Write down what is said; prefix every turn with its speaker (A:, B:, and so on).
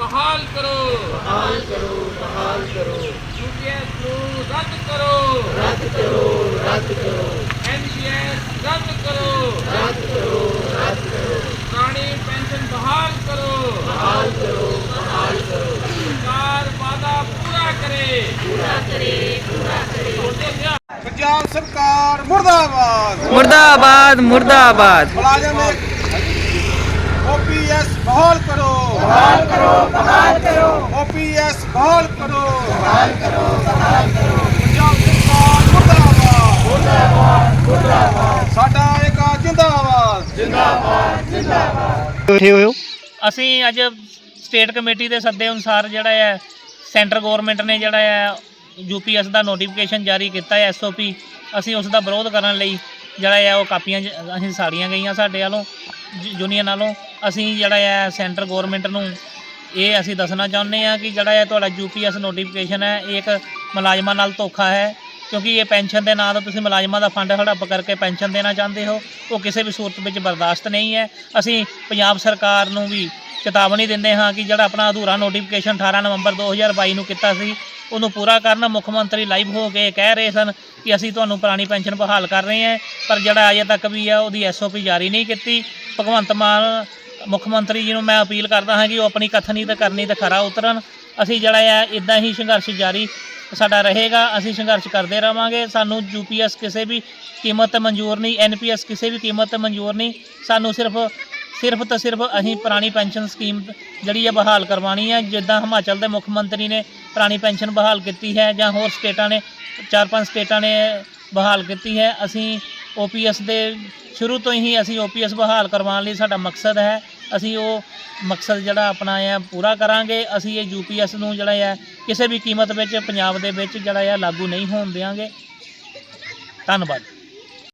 A: बहाल करो,
B: बहाल करो, बहाल करो,
A: यूपीएस को रद्द करो,
B: रद्द करो, रद्द करो,
A: एनपीएस रद्द करो,
B: रद्द करो, रद्द करो,
A: पुरानी पेंशन बहाल करो,
B: बहाल करो, बहाल करो,
A: सरकार वादा पूरा करे,
B: पूरा करे, पूरा करे।
C: पंजाब सरकार मुर्दाबाद,
D: मुर्दाबाद मुर्दाबाद।
C: मुलाजिम ओपीएस बहाल करो,
B: बहाल करो, बहाल करो,
C: ओपीएस बहाल करो,
B: बहाल करो, बहाल करो,
C: पंजाब सरकार मुर्दाबाद,
B: मुर्दाबाद, मुर्दाबाद,
C: साडा एक जिंदाबाद,
B: जिंदाबाद, जिंदाबाद।
D: बैठे हुए हो?
E: ਅਸੀਂ ਅੱਜ ਸਟੇਟ ਕਮੇਟੀ ਦੇ ਸੱਦੇ ਅਨੁਸਾਰ ਜਿਹੜਾ ਹੈ ਸੈਂਟਰ ਗਵਰਨਮੈਂਟ ਨੇ ਜਿਹੜਾ ਹੈ ਯੂਪੀਐਸ ਦਾ ਨੋਟੀਫਿਕੇਸ਼ਨ ਜਾਰੀ ਕੀਤਾ ਹੈ ਐਸਓਪੀ, ਅਸੀਂ ਉਸ ਦਾ ਵਿਰੋਧ ਕਰਨ ਲਈ ਜਿਹੜਾ ਹੈ ਉਹ ਕਾਪੀਆਂ ਅਸੀਂ ਸਾੜੀਆਂ ਗਈਆਂ ਸਾਡੇ ਵੱਲੋਂ ਯੂਨੀਅਨ ਵੱਲੋਂ। ਅਸੀਂ ਜਿਹੜਾ ਹੈ ਸੈਂਟਰ ਗਵਰਨਮੈਂਟ ਨੂੰ ਇਹ ਅਸੀਂ ਦੱਸਣਾ ਚਾਹੁੰਦੇ ਹਾਂ ਕਿ ਜਿਹੜਾ ਹੈ ਤੁਹਾਡਾ ਯੂਪੀਐਸ ਨੋਟੀਫਿਕੇਸ਼ਨ ਹੈ ਇਹ ਇੱਕ ਮੁਲਾਜ਼ਮਾਂ ਨਾਲ ਧੋਖਾ ਹੈ, ਕਿਉਂਕਿ ਇਹ ਪੈਨਸ਼ਨ ਦੇ ਨਾਂ 'ਤੇ ਤੁਸੀਂ ਮੁਲਾਜ਼ਮਾਂ ਦਾ ਫੰਡ ਹੜੱਪ ਕਰਕੇ ਪੈਨਸ਼ਨ ਦੇਣਾ ਚਾਹੁੰਦੇ ਹੋ, ਉਹ ਕਿਸੇ ਵੀ ਸੂਰਤ ਵਿੱਚ ਬਰਦਾਸ਼ਤ ਨਹੀਂ ਹੈ। ਅਸੀਂ ਪੰਜਾਬ ਸਰਕਾਰ ਨੂੰ ਵੀ ਚੇਤਾਵਨੀ ਦਿੰਦੇ ਹਾਂ ਕਿ ਜਿਹੜਾ ਆਪਣਾ ਅਧੂਰਾ ਨੋਟੀਫਿਕੇਸ਼ਨ 18 ਨਵੰਬਰ 2022 ਨੂੰ ਕੀਤਾ ਸੀ ਉਹਨੂੰ ਪੂਰਾ ਕਰਨ। ਮੁੱਖ ਮੰਤਰੀ ਲਾਈਵ ਹੋ ਕੇ ਕਹਿ ਰਹੇ ਸਨ ਕਿ ਅਸੀਂ ਤੁਹਾਨੂੰ ਪੁਰਾਣੀ ਪੈਨਸ਼ਨ ਬਹਾਲ ਕਰ ਰਹੇ ਹਾਂ, ਪਰ ਜਿਹੜਾ ਅਜੇ ਤੱਕ ਵੀ ਆ ਉਹਦੀ ਐਸਓਪੀ ਜਾਰੀ ਨਹੀਂ ਕੀਤੀ। ਭਗਵੰਤ ਮਾਨ ਮੁੱਖ ਮੰਤਰੀ ਜੀ ਨੂੰ ਮੈਂ ਅਪੀਲ ਕਰਦਾ ਹਾਂ ਕਿ ਉਹ ਆਪਣੀ ਕਥਨੀ ਤੇ ਕਰਨੀ ਤੇ ਖਰਾ ਉਤਰਨ। ਅਸੀਂ ਜਿਹੜਾ ਹੈ ਇੱਦਾਂ ਹੀ ਸੰਘਰਸ਼ ਜਾਰੀ ਸਾਡਾ ਰਹੇਗਾ, ਅਸੀਂ ਸੰਘਰਸ਼ ਕਰਦੇ ਰਹਾਂਗੇ। ਸਾਨੂੰ ਯੂਪੀਐਸ ਕਿਸੇ ਵੀ ਕੀਮਤ 'ਤੇ ਮਨਜ਼ੂਰ ਨਹੀਂ, ਐਨਪੀਐਸ ਕਿਸੇ ਵੀ ਕੀਮਤ 'ਤੇ ਮਨਜ਼ੂਰ ਨਹੀਂ। ਸਾਨੂੰ ਸਿਰਫ ਤੇ ਸਿਰਫ ਅਸੀਂ ਪੁਰਾਣੀ ਪੈਨਸ਼ਨ ਸਕੀਮ ਜਿਹੜੀ ਹੈ ਬਹਾਲ ਕਰਵਾਉਣੀ ਹੈ, ਜਿੱਦਾਂ ਹਿਮਾਚਲ ਦੇ ਮੁੱਖ ਮੰਤਰੀ ਨੇ ਪੁਰਾਣੀ ਪੈਨਸ਼ਨ ਬਹਾਲ ਕੀਤੀ ਹੈ ਜਾਂ ਹੋਰ ਸਟੇਟਾਂ ਨੇ 4-5 ਸਟੇਟਾਂ ਨੇ ਬਹਾਲ ਕੀਤੀ ਹੈ। ਅਸੀਂ ਓਪੀਐਸ ਦੇ ਸ਼ੁਰੂ ਤੋਂ ਹੀ ਅਸੀਂ ਓਪੀਐਸ ਬਹਾਲ ਕਰਵਾਉਣ ਲਈ ਸਾਡਾ ਮਕਸਦ ਹੈ, ਅਸੀਂ ਉਹ ਮਕਸਦ ਜਿਹੜਾ ਆਪਣਾ ਹੈ ਪੂਰਾ ਕਰਾਂਗੇ। ਅਸੀਂ ਇਹ ਯੂਪੀਐਸ ਨੂੰ ਜਿਹੜਾ ਹੈ ਕਿਸੇ ਵੀ ਕੀਮਤ ਵਿੱਚ ਪੰਜਾਬ ਦੇ ਵਿੱਚ ਜਿਹੜਾ ਹੈ ਲਾਗੂ ਨਹੀਂ ਹੋਣ ਦੇਵਾਂਗੇ। ਧੰਨਵਾਦ।